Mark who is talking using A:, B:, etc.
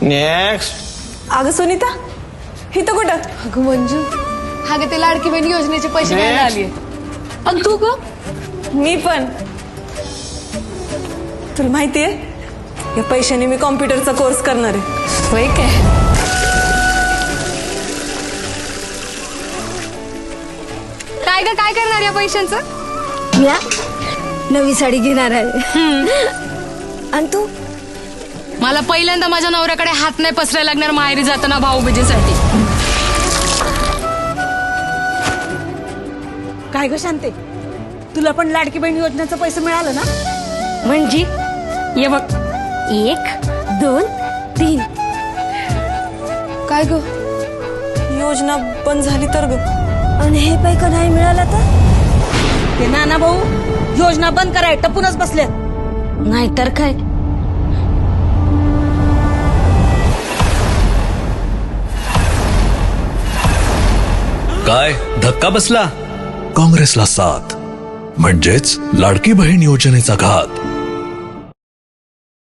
A: Next.
B: अगं सुनीता इथं कुठं?
C: अगं मंजू, हा ग ते लाडकी बहीण योजनेचे पैसे घ्यायला आलीये. आणि तू ग?
B: मी पण. तुला माहितीये या पैशाने मी कॉम्प्युटरचा कोर्स करणार आहे.
C: होय काय? काय ग, काय करणार या पैशांचं?
D: या नवी साडी घेणार आहे. आणि तू?
C: मला पहिल्यांदा माझ्या नवऱ्याकडे हात नाही पसरायला लागणार माहेरी जाताना भाऊबीजेसाठी.
D: काय ग शांते, तुला पण लाडकी बहीण योजनेचं पैसे मिळालं ना?
C: म्हणजे ये बघ,
D: 1 2 3.
C: काय ग?
B: योजना बंद झाली तर ग.
D: आणि हे पैक नाही मिळालं तर? ते नाना भाऊ योजना बंद कराय टपूनच बसले. नाहीतर काय.
E: काय धक्का बसला? काँग्रेसला साथ म्हणजेच लाडकी बहीण योजनेचा घात.